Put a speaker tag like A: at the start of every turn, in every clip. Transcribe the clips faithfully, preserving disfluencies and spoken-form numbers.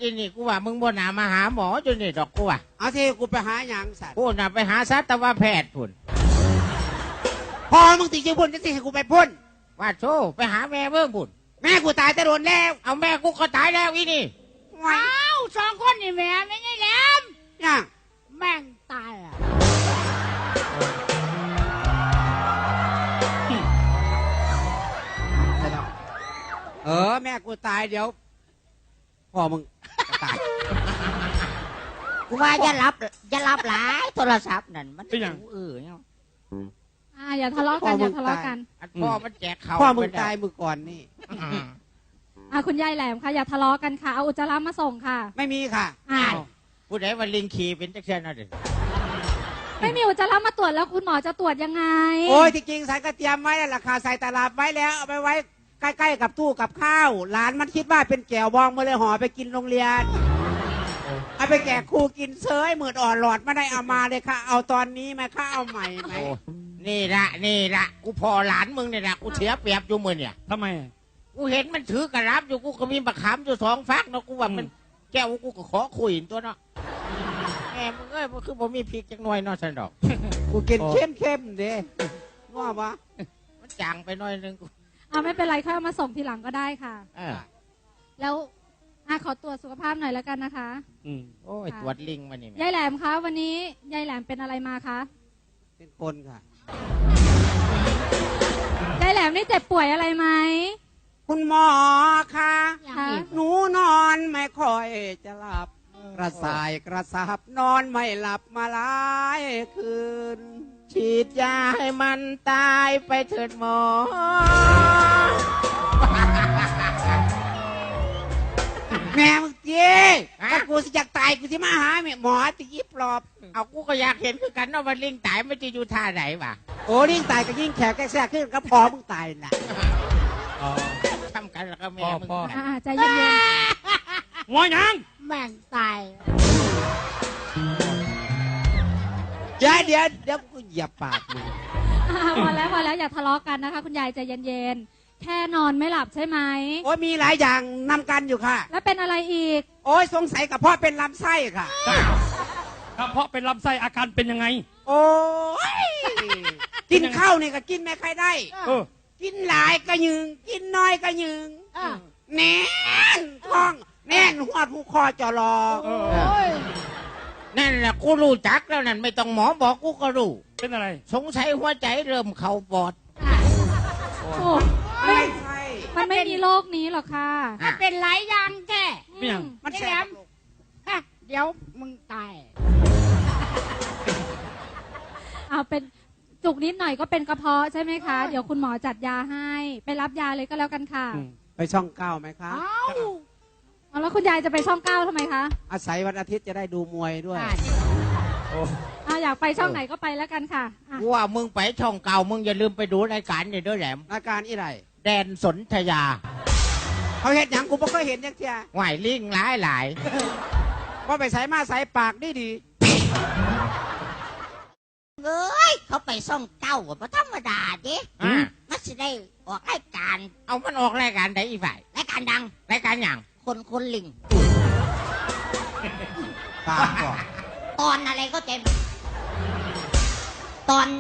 A: จีนี่กูว่ามึงบ่น่ามาหาหมอจนนี่ดอกกูว่า
B: เอาที่กูไปหาหยังสัตว์
A: กูน่ะไปหาสัตวแพทย์พุ่น
B: พอมึงติดชื่อพุ่นจะสิให้กูไปพุ่น
A: ว่าโชไปหาแม่เบิ่งพุ่น
B: แม่กูตายแต่โดนแล้ว
A: เอาแม่กูก็ตายแล้วอีนี่
C: ว้าวสองคนนี่แม่ไม่ใช่แหลม
B: ยัง
C: แม่งตายอ่ะ
B: เออแม่กูตายเดี๋ยวพ่อมึงตาย
C: กูว่าอย่ารับอย่ารับหลายโทรศัพท์นั่นมันเป็นอย่างเออเนี่ย
D: อ่าอย่าทะเลาะกันอย่าทะเลาะกัน
A: พ่อมันแจกเขา
B: พ่อมึงตายมือก่อนนี่
D: อ่าคุณยายแหลมค่ะอย่าทะเลาะกันค่ะเอาอุจจาระมาส่งค่ะ
B: ไม่มีค่ะ
D: อ้าว
A: ผู้ใดว่าลิงขี่เป็นจักเช่นนั่นเอง
D: ไม่มีอุจจาระมาตรวจแล้วคุณหมอจะตรวจยังไง
B: โอ้ยจริงๆใส่กระเทียมไว้แล้วราคาใส่ตลาดไว้แล้วเอาไปไว้ใกล้ๆกับตู้กับข้าวหลานมันคิดว่าเป็นแก้วบองมาเลยห่อไปกินโรงเรียนเอาไปแจกครูกินเซยหมื่นอ่อนหลอดไม่ได้เอามาเลยค่ะเอาตอนนี้ไหมค่ะเอาใหม่ไหม
A: นี่ละนี่ละกูพอหลานมึงเนี่ยนะกูเสียเปรียบอยู่มือเนี่ย
E: ทำไม
A: กูเห็นมันถือกระรับอยู่กูก็มีบักขามอยู่สองฟักเนาะกูว่ามันแก้วกูก็ขอคุยตัวเนาะแหมมึงเอ้ยมันคือผมมีพริกจังหน่อยเนาะฉันดอก
B: กูกินเข้มเข้มเด้ว่าปะ
A: มันจางไปหน่อยนึงกู
D: เอาไม่เป็นไรค่อยเอามาส่งทีหลังก็ได้ค่ะแล้วอ่ะขอตรวจสุขภาพหน่อยแล้วกันนะคะ
A: อืมโอ้ยตรวจลิงมานี่
D: ยายแหลมคะวันนี้ยายแหลมเป็นอะไรมาคะ
B: เป็นคนค่ะ
D: ยายแหลมนี่เจ็บป่วยอะไรไหม
B: คุณหมอคะหนูนอนไม่ค่อยจะหลับกระสายกระซับนอนไม่หลับมาหลายคืน
A: ฉีดยาให้มันตายไปเถิดหมอ
B: แม่มึงเจ๊ถ้ากูสิอยากตายกูสิมาหาแม่หมอตียิบปลอบ
A: เอากูก็อยากเห็นคือกันว่าลิงตายมันจะอยู่ท่าไหนวะ
B: โอ้ลิงตายก็ยิ่งแขกแทรกขึ้นก็พอมึงตายน่ะ
A: ทำกันแล้วก็แม่มึง
D: ใจเย็น
E: ๆหัวยัง
C: แม่งตาย
B: เดี๋ยวเดี๋ยวเดี๋ยวกูเหยียบปากมึง
D: พอแล้วพอแล้วอย่าทะเลาะกันนะคะคุณยายใจเย็นๆแค่นอนไม่หลับใช่ไหม
B: โอ้ยมีหลายอย่างนำกันอยู่ค่ะ
D: แล้วเป็นอะไรอีก
B: โอ้ยสงสัยกระเพาะเป็นลำไส้ค่ะ
E: กระเพาะเป็นลำไส้อาการเป็นยังไง
B: โอ้ยกินข้าวนี่ก็กินไม่ค่อยได้กินหลายก็ยืงกินน้อยก็ยืงแน่นท้องแน่นหัวผู้คอจอรอ
A: นั่นแหละกูรู้จักแล้วนั่นไม่ต้องหมอบอกกูก็รู้
E: เป็นอะไร
A: สงสัยหัวใจเริ่มเข่าปอด
B: ไม่ใช่
D: มันไม่มีโรคนี้หรอกค่ะ
C: มันเป็นหลายอย่างแก่
B: มันแสบ
C: เดี๋ยวมึงตาย
D: เอาเป็นจุกนิดหน่อยก็เป็นกระเพาะใช่ไหมคะเดี๋ยวคุณหมอจัดยาให้ไปรับยาเลยก็แล้วกันค่ะ
B: ไปช่องเก้าไหมคะ
D: เอาแล้วคุณยายจะไปช่องเก้าทำไมคะ
B: อาศัยวันอาทิตย์จะได้ดูมวยด้วย
D: อ่าอยากไปช่องไหนก็ไปแล้วกันค่ะ
A: ว่ามึงไปช่องเก่ามึงอย่าลืมไปดูรายการนี่ด้วยแหลม
B: รายการอีไร
A: แดนสนธยา
B: เขาเห็นอย่างกูไม่เคยเห็นยังเทีย
A: ไหวลิงหลายหลาย
B: ว่าไปใส่มาใส่ปากได้ดี
C: เอ้ยเขาไปซ่องเก้าเพราะธรรมดาดิมันจะได้ออกรายการ
A: เอามันออกรายการไหนอีกฝ่าย
C: รายการดัง
A: รายการอย่าง
C: คนคนลิง
B: ตาก่อน
C: ตอนอะไรก็เจ็บตอน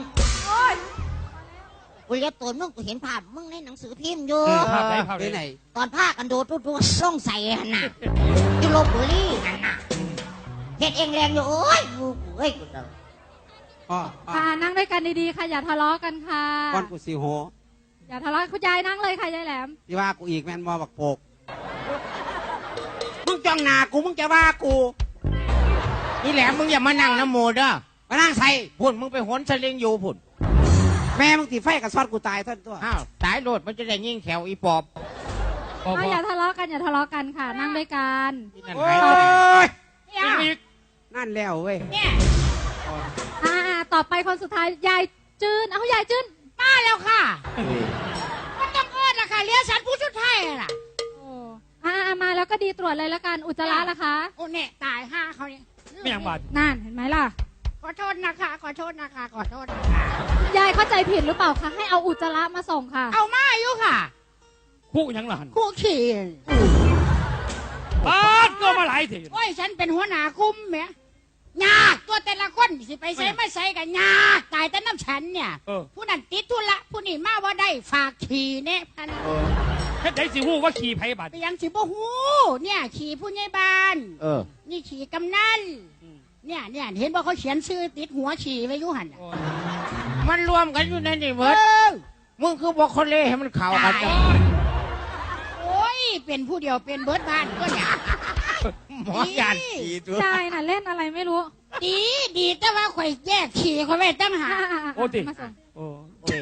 C: กูเรียกตัวมึงกูเห็นภาพมึงในหนังสือพิมพ์อยู่
E: ภาพไหนภาพไหน
C: ตอนภาคกันโดดตัวส่องใส่หันน่ะที่ลบบุรีหันน่ะเห็ดเองแรงอยู่โอ้ยกูเอ้ยกูเดา
D: ค่ะนั่งด้วยกันดีๆค่ะอย่าทะเลาะกันค่ะ
B: ก้อนกูสีโห
D: อย่าทะเลาะคุณยายนั่งเลยค่ะยายแหลม
B: ที่ว่ากูอีกแมนมอบักโปกมึงจ้องหน้ากูมึงจะว่ากู
A: นี่แหลมมึงอย่ามานั่งน้ำโมเด้อ
B: มานั่งใส่
A: พุ่นมึงไปหนสลิงอยู่พุ่น
B: แม่มึงตีไฟกับซอดกูตายท่านตัว
A: อ้าวตายโลดมันจะได้ยิ่งแขวอีปอบ
D: อย่าทะเลาะกันอย่าทะเลาะกันค่ะนั่งด้วยกัน
B: โอ้ยนั่นแล้วเว้ย
D: อ่าต่อไปคนสุดท้ายยายจืนเอายายจืน
C: มาแล้วค่ะก็ต้องเอิ้นละค่ะเลี้ยงฉันผู้ชุดไทยล่ะ
D: อ่ามาแล้วก็ดีตรวจเลยแล้วกันอุจจาระล่ะคะ
C: โอ้เนี่ยตายห้าเขาเนี่ย
E: ไม่ยังบาด
D: นั่นเห็นไหมล่ะ
C: ขอโทษนะคะขอโทษนะคะขอโทษนะคะ
D: ยายเข้าใจผิดหรือเปล่าคะให้เอาอุจจาระมาส่งค่ะ
C: เอามาอยู่ค่ะ
E: คู่ยังหลาน
C: คู่ขี่
E: ปาดก็มาหลายที
C: โอ้ยฉันเป็นหัวหน้าคุ้มแหมยากตัวแต่ละคนสิไปใส่ไม่ใส่กันยากตายแต่น้ำฉันเนี่ยผู้นั้นติดธุระผู้นี้มาว่าได้ฝากขี่เนี่ยพัน
E: แค่ไหนสิหูว่าขี่ไผ่บาด
C: ไปยังสิบ่ฮู้เนี่ยขี่ผู้ใหญ่บ้าน
A: เออ
C: นี่ขี่กำนันเนี่ยเนี่ยเห็นว่าเขาเขียนชื่อติดหัวขี่ไว้อยุหันน่ะ
A: มันรวมกันอยู่ในนี่เบิ
C: เอ
A: ด
C: อ
A: มึงคือบอกคนเล่ให้มันเข่ากันจัง
C: โอ้ยเป็นผู้เดียวเป็นเบิร์ดบ้านก็เนี่ย
A: หมอยานขี่ตัว
D: ยายน่ะเล่นอะไรไม่รู้
C: ดีดีแต่ว่าข่อยแยกขี่ข่อยไว้ตั้งหา
D: อ่ะๆๆ
E: โอ้ติ
D: มาส่ง
E: โอ้
A: โอ้ย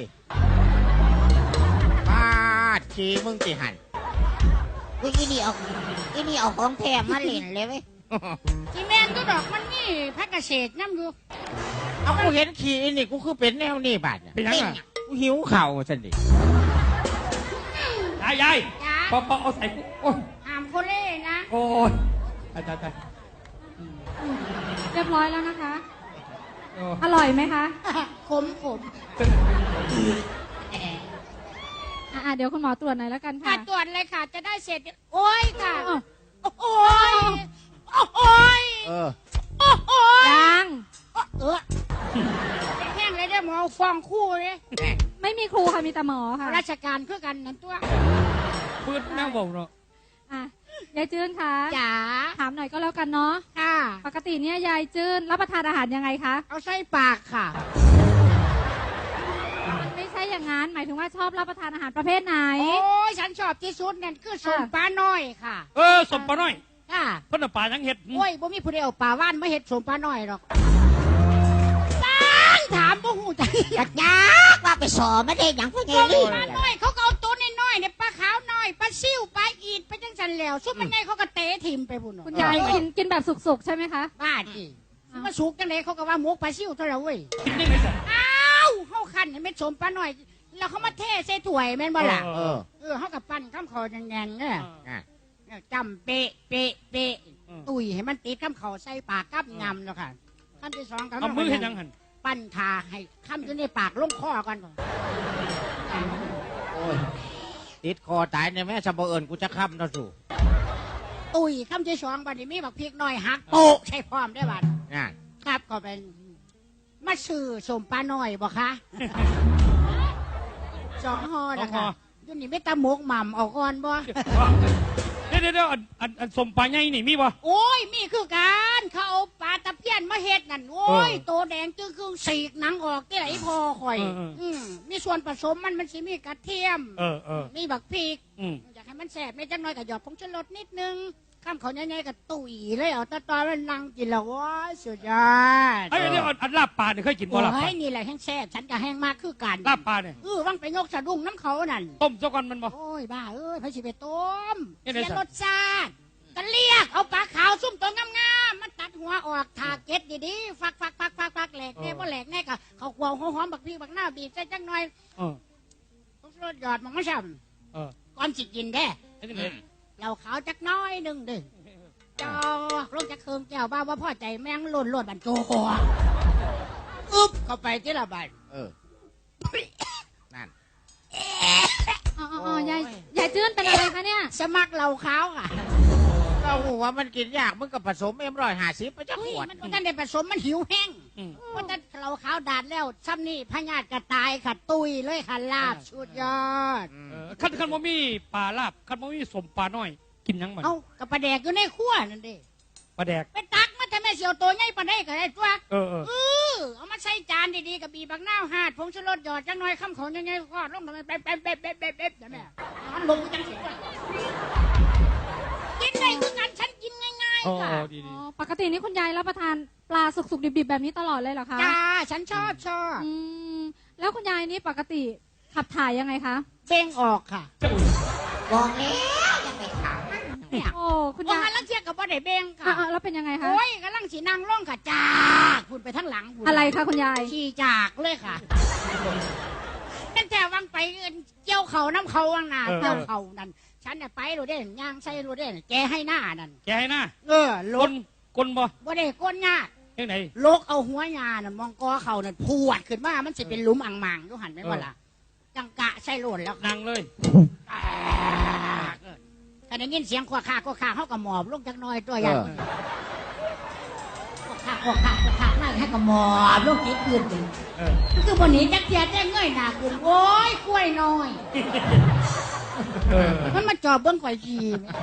A: ปาดขี่มึงติหัน
C: กูอีนี่เอาอีนี่เอาของแถมมาเล่นเลยเว้ยที่แม่นก็ดอกมันนี่พักเกษตรน้ำอยู่
A: เอากูเห็นขี่อันนี่กูคือเป็นแนวนี่บาดเนี่ย
E: เป็นยังไง
A: กูหิวเข่าสันดิ
E: ยายยาย
C: จ้า
E: ปอปอเอาใส่กูโอ้ย
C: ห้ามคนเล่นะ
E: โอ้ยตายตายตาย
D: เรียบร้อยแล้วนะคะ
E: โอ้
D: อร่อยไหมคะ
C: ขมขม
D: อ่ะๆเดี๋ยวคุณหมอตรวจหน่อยแล้วกัน
C: มา
D: ค่ะ
C: ตรวจเลยค่ะ จะได้เสร็จ โอ้ยค่ะ
D: อ้าว
C: โอ้ยโอ้ย
A: เออ
C: โอ้ย
D: ยัง
C: เออเป็นแห้งเลยได้หมอฟองคู่เลย
D: ไม่มีครูค่ะมีแต่หมอค่ะ
C: ราชการคือกันนั่นตัว
E: ปืนแมวเบาเนาะ
D: อ่ะยายจื้นคะ
C: จ๋า
D: ถามหน่อยก็แล้วกันเนาะ
C: ค่ะ
D: ปกติเนี่ยยายจื้นรับประทานอาหารยังไงคะ
C: เอาใส่ปากค่ะ
D: มันไม่ใช่อย่างนั้นหมายถึงว่าชอบรับประทานอาหารประเภทไหน
C: โอ้ยฉันชอบที่สุดนั่นคือสมปลาน้อยค่ะ
E: เออสมปะน้อย
C: ค่ะ
E: เพิ่นเอาปลายังเห็ด
C: โอ้ยบ่มีผู้ใดเอาปลาว่านมาเห็ดสมปลาน้อยหรอกตั้งถามบ่หูจักอยาก
F: ยากว่าไปสอไม่ได้อย่างพวก
C: ส
F: นี้
C: มปลาน้อยเขาก็เอาตัวน้อยๆเนี่ยปลาขาวน้อยปลาซิ่วปลาอีดไปจังสันแล้วซุปมันใหญ่เขาก็เตะทิมไปพุ่น
D: คุณยายกินกินแบบสุกๆใช่ไหมคะ
C: บ้าจีมาสุกจังเลยเขาก็ว่าหมกปลาซิ่วเท่าไหร่เว้ย
E: กินได้ไหมสัน
C: อ้าวเขาคันให้เม็ดสมปลาน้อย แล้วเขามาเทใส่ถ้วยแม่นบ่ล่ะ
A: เออ
C: เออเขากับปั้นข้ามคอแดงๆเนี่ย
A: อ่ะ
C: จำเป๊ะเป๊ะเป๊ะตุยให้มันติดข้ามเขาใส่ปากกับงำเนาะค่ะขั้นที่สองก็
E: เอามือเห็นยังหัน
C: ปั้นทาให้ข้ามอยู่ในปากลงคอก่อน
A: โอ้ยติดคอตายในแม่สะบเอิญกูจะค้ำเนาะสู่
C: ตุยข้ามที่สองบัดนี้มีบักพริกหน่อยหักโปะใช่พร้อมได้บัด
A: น่ะ
C: ครับก็เป็นมาซื้อสมปลาหน่อยบ่คะ สองห่อนะคะอยุ่นี่ไม่ตาหมกหม่ำเอาก่อนบ่
E: เดี๋ยวเดี๋ยวเดี๋ยวอันอันอันสมปลาใหญ่นี่มีบ่
C: โอ้ยมีคือการเขาเอาปลาตะเพียนมาเฮ็ดนั่นโอ้ยโตแดงจึงคือสีกหนังออกที่ไหนพอข่อยอืมมีส่วนผสมมันมันสิมีกระเทียม
E: เออเออ
C: มีบักพริก
E: อืม
C: อยากให้มันแสบไม่จังน้อยกับหยอดผงชูรสนิดนึงข้ามเขาใหญ่ๆกับตุ๋ยเลยเอาตะตอนมันนั่งกินแล้วว้ายสุดยอด
E: ไอ้ยเดี๋ยวอันอันลาบปลาเนี่ยเคยกินบ่
C: โอ้
E: ลาบปลาย
C: นี่แหละแห้งแซ่บฉันก็แห้งมากคือกัน
E: ลาบปลาเนี่ย
C: เออว่างไปยกสะดุ้งน้ำเขานั่น
E: ต้มซะก่อนมันบ่
C: โอ้ยบ้าเอ้ยพระชิไปต้ม
E: เอ๊ะ
C: เสี
E: ไหน
C: ย
E: สัตว์
C: รสชาติก็เรียกเอาปลาขาวซุ่มตัวงามๆมันตัดหัวออกถากเก็ดดีๆฟักฟักฟักฟักฟักแหลกแน่บ่แหลกแน่ก็เขาควงหอมๆบักพี่บักหน้าบีบใส่จังหน่อย
E: เออ
C: ต้องรสหยอดมันไม่ช่
E: เออ
C: ำก่อนสิกินแด้
E: ไอ้นี่เลย
C: เราขาวจักหน้อยหนึ่งเด้อจอกลงจากเคิมแก้วบ้าว่าพ่อใจแม่งหล่นหล่นบันโจหัวอึ๊บเข้าไปที่ละบาท
A: เออ นั่น
D: อ๋ออ๋อยายยายจื้นเป็นอะไรคะเนี่ย
C: สมัครเราขาวอ่ะ
A: ก็หูว่ามันกินยากมึงกับผสมเอ็มร้อยห้าสิบไปจะข
C: เฮ้ยว
A: ด
C: มันท่านได้ผสมมันหิวแห้ง
E: อืม
C: เพราะถ้าเราขาวดาดแล้วซ้ำนี่พญาติกระตายค่ะตุยเลยค่ะลาบสุดยอด
E: เออคันคันบ่มีปลาลาบคันบ่มีสมปลาน้อย กินหยังมัน
C: เอากับปลาแดกอยู่ในขั้วนั่นเด้
E: ปลาแดก
C: ไปตักมาแต่แม่เสียวตัวใหญ่ปลาได้ก็ได้ตัว
E: เออเออ
C: เออเอามาใส่จานดีๆกับบีบักหน้าวหาดผงชูรสหยอดจังน้อยข้ามของยังไงก็ลงทำไมเป๊ะเป๊ะเป๊ะเป๊ะเป๊ะเป๊ะแต่แม่มันลงจังสิว่ากินได้คือกันฉันกินง่าย
E: อ๋อ
C: ๆค่ะ
E: ดี
D: อ๋
E: ดี
D: อปกตินี่คุณยายรับประทานปลาสุกๆดิบๆแบบนี้ตลอดเลยเหรอคะ
C: จ้าฉันชอบชอบ
D: อืมแล้วคุณยายนี่ปกติขับถ่ายยังไงคะ
C: เบ่งออกค่ะ
F: บอกแล้วอย่าไปถามมัน
C: เนี่ย
D: โอ้คุณ
C: โอ้
D: ยาย
C: ยลังเทียกับว่าได้เบ่งค่ะ
D: อ่ะๆแล้วเป็นยังไงคะ
C: โอ้ยกำลังสีนางร่องค่ะจากพุ่นไปทั้งหลังพุ่น
D: อะไรคะคุณยาย
C: ขี่จากเลยค่ะตั้งแต่วังไปเอิ้นเกี่ยวเขาน้ำเขาวังนาเกี่ยวเขานั่นฉันน่ะไปรู้เด่นย่างใส่รู้เด่นแกให้หน้านั่น
E: แกให้หน้า
C: เออล
E: ก
C: ก
E: ลกลบ่
C: บ่ได้ก้นยาก
E: ยังไง
C: ลกเอาหัวยานั่นมองกอเขานั่นพวดขึ้นมามันสิเป็นหลุมอ่างมังดูหันไหมว่าล่ะจังกะใส่โหลนแล้ว
E: นางเลย
C: ใครก็ได้ยินเสียงขวาขาขวาขาเขาก็หมอบลงจักหน่อยตัวอย่างขวาขาขวาขาขวาขานั่งให้ก็หมอบลงติดพื้นไปคือบนนี้จักเทียได้เงยหน้าขึ้นโอ้ยกล้วยน้อยมันมาจอบเบิ้งข่อยที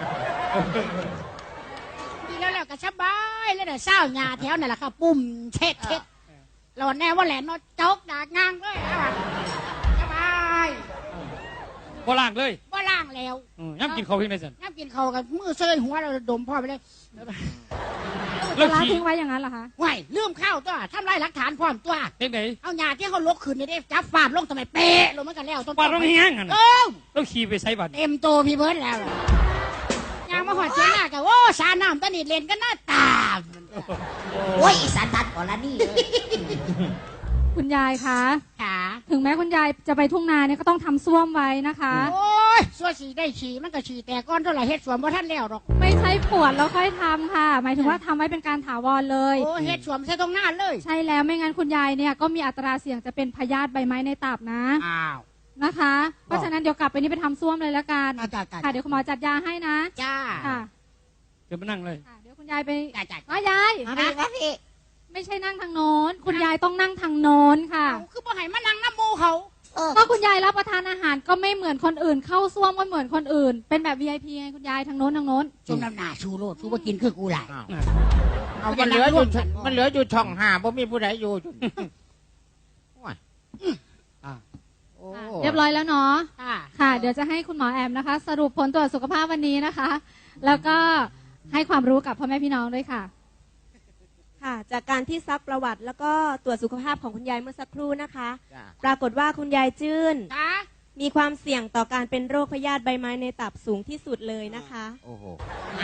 C: ดีแล้วแล้วก็สบายแล้วเดี๋ยวเศร้าหยาแถวนั่นแหละค่ะปุ่มเช็ดเช็ดเราแน่ว่าแหลนนอจกดากงางเลยสบาย
E: บ่ล่างเลย
C: ว่าล่างแล้ว
E: อืมย่ำกินข้าวเพียงได้สัน
C: น้ำกินเขากับมือเซยหัวเราดมพ่อไปเลย
E: แล้ว
D: ร้าน
E: ขี่
D: ทิ้งไว้อย่างนั้นเหรอคะ
C: ไหวลืมข้าวตัวทำลายหลักฐานพร้อมตัว
E: เพียงไหน
C: เอาหยาที่เขาลกขึ้นนี่ได้จับฟาดลงทำไมเป๊ะลงมากันแล้วต้น
E: ปาดลงแห้งอ่ะ
C: เอ
E: นะ
C: อ
E: แล้วขี่ไปใส่บัตร
C: เต็มโตพี่เบิร์ดแล้วยางมาหอดเชียงหน้ากับโอ้สาน้ำตะนิดเลนก็หน้าตา
F: โอ้ยอีสันทัดก่อนละนี่เลย
D: คุณยายคะ
C: ขา
D: ถึงแม้คุณยายจะไปทุ่งนาเนี่ยก็ต้องทำส้วมไว้นะคะ
C: โอ้ยสัวสีได้ฉี่มันก็ฉี่แต่ก้อนเท่าไหร่เฮ็ดสวมว่าท่านแล้วหรอก
D: ไม่ใช่ปวดแล้วค่อยทำค่ะ หมายถึงว่าทำไว้เป็นการถาวรเลย
C: โอ้เฮ็ดสวมใส่ตรงหน้าเลย
D: ใช่แล้วไม่งั้นคุณยายเนี่ยก็มีอัตราเสี่ยงจะเป็นพยาธิใบไม้ในตับนะ
C: อ้าว
D: นะคะ เพราะฉะนั้นเดี๋ยวกลับไปนี่ไปทำส้วมเลยละกัน
C: จ้าจ้าจ้า
D: ค่ะเดี๋ยวคุณหมอจัดยาให้นะ
C: จ้า
D: ค่ะ
E: เดี๋ยวมานั่งเลย
D: ค่ะเดี๋ยวคุณยายไป
C: จ้าจ้า
D: อ๋อยาย
F: มาพี่มาพี่
D: ไม่ใช่นั่งทางโน้น คุณยายต้องนั่งทางโน้นค่ะ
C: เอาคือบ่ให้มานั่งน้ำมูเขา
F: เออ
D: ก็คุณยายรับประทานอาหารก็ไม่เหมือนคนอื่น เข้าส้วมก็เหมือนคนอื่น เป็นแบบ วี ไอ พี ไงคุณยายทางโน้นทางโน้น
C: จุ่มน้ำหนาชูโลดชูบ่กินคือกูหลาย
A: อ้าวเอามันเหลืออยู่ช่องมันเหลืออยู่ช่องห้าบ่มีผู้ใดอยู่จุโอ้ยอ่ะโอ้
D: เรียบร้อยแล้วเนาะ
C: ค่ะ
D: ค่ะ เดี๋ยวจะให้คุณหมอแอมนะคะ สรุปผลตรวจสุขภาพวันนี้นะคะ แล้วก็ให้ความรู้กับพ่อแม่พี่น้องด้วยค่ะ
G: ค่ะจากการที่ซักประวัติแล้วก็ตรวจสุขภาพของคุณยายเมื่อสักครู่นะคะ
A: จ้ะ
G: ปรากฏว่าคุณยายจื้น
C: ค่ะ
G: มีความเสี่ยงต่อการเป็นโรคพยาธิใบไม้ในตับสูงที่สุดเลยนะคะ
A: โอ้โห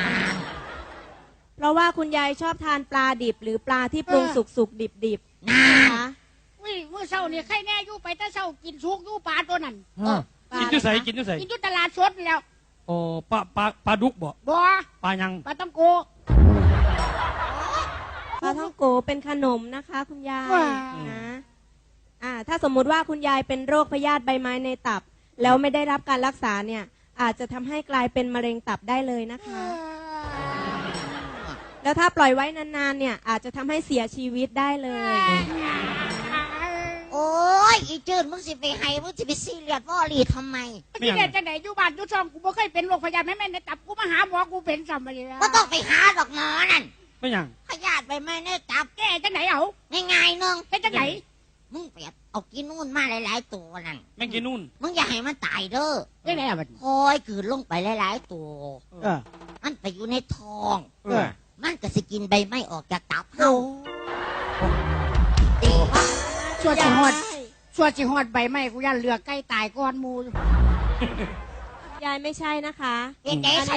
G: เพราะว่าคุณยายชอบทานปลาดิบ หรือปลาที่ปรุงสุกสุกดิบดิบๆนะคะ
C: อุ้ยมื้อเช้านี่ใครแน่อยู่ไปแต่เช้ากินสุกอยู่ปลาตัวนั้น
A: อ่ะ
E: กินอยุ่ใส่กินอยุ่ใส่
C: กินอยู่ตลาดสดแล้ว
E: โอ้ปลาปลาปลาดุกบ่
C: บ่
E: ปลายัง
C: ปลาตำโก
G: ปลาท่องโกเป็นขนมนะคะ คุณยาย
C: ว้า
G: นะอ่าถ้าสมมุติว่าคุณยายเป็นโรคพยาธิใบไม้ในตับ แล้วไม่ได้รับการรักษาเนี่ย อาจจะทำให้กลายเป็นมะเร็งตับได้เลยนะคะ แล้วถ้าปล่อยไว้นานๆเนี่ย อาจจะทำให้เสียชีวิตได้เลย
F: โอ้ยอีจืดมึงสิไปให้มึงสิไปซีเรียสวอลีทำไม
C: ที่เด็ดจังไหนอยู่บ้านอยู่ช่องกูบ่เคยเป็นโรคพยาธิแม่แม่ในตับกูมาหาหมอกูเป็นซ้ำมาเลย
F: ก็ต้องไปหาดอกหมอนั่น
E: ไม่ยัง
F: พยาธิใบไม้ในตับ
C: แกจังไหนเอา
F: ง่ายๆนึง
C: เป็นจังไหน
F: มึงไปเอากินนู่นมาหลายๆตัวนั่น
E: แม่งกินนู่น
F: มึงอย่าให้มันตายเด้อ
C: จังไหนอ่ะบัด
F: คอยกลืนลงไปหลายๆตัว
A: เออ
F: มันไปอยู่ในท้อง
A: เออ
F: มันก็สิกินใบไม้ออกจากตับเฮาตี
C: ชัวสิฮอดชัวสิฮอดใบไม้กูยันเลือกใกล้ตายก่อนหมู
G: ยายไม่ใช่นะคะ
F: เป็นไงใส่